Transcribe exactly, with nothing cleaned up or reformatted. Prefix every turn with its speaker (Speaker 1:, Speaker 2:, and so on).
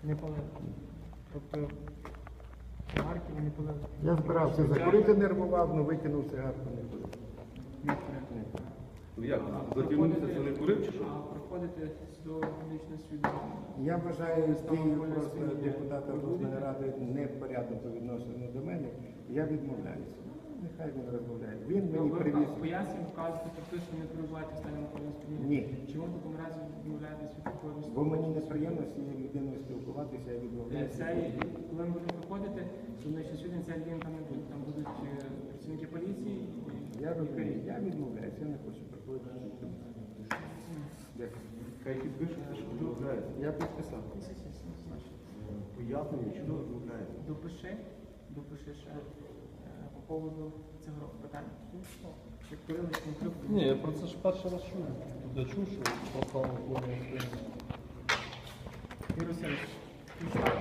Speaker 1: Не палили. Тобто цигарки ви не палили?
Speaker 2: Я збирався закурити, нервував, але викинув цигарку, не курив.
Speaker 1: Не курили.
Speaker 3: Ну як, затягнувся, це не курив чи що?
Speaker 1: А проходите до публічного свідомлення?
Speaker 2: Я вважаю дію просто депутата обласної ради непорядно по відношенню до мене. Я відмовляюся. Нехай він розмовляє. Він мені привіз.
Speaker 1: Пояснюємо, вказуєте про те, що не перебуваєте в стані алкогольного сп'яніння?
Speaker 2: Ні.
Speaker 1: Чому в такому разі відмовляєтесь від такої
Speaker 2: Бо мені неприємно з цією людиною спілкуватися, я відмовляюся.
Speaker 1: Це, коли ми будемо виходити, судничний сьогодні ця людина там не буде. Там будуть е, працівники поліції.
Speaker 2: Я розумію, я відмовляюся, я не хочу приходити. Дякую.
Speaker 3: Хай підпишете, що відмовляється.
Speaker 2: Я підписав.
Speaker 3: Пояснення, що відмовляється.
Speaker 1: Допиши, допиши ще е, по поводу цього питання. Як курили, чи не курили?
Speaker 4: Ні, я про це ж перший раз чую. Тут я чув, що попав в плані.
Speaker 1: Юрій Васильович, підстава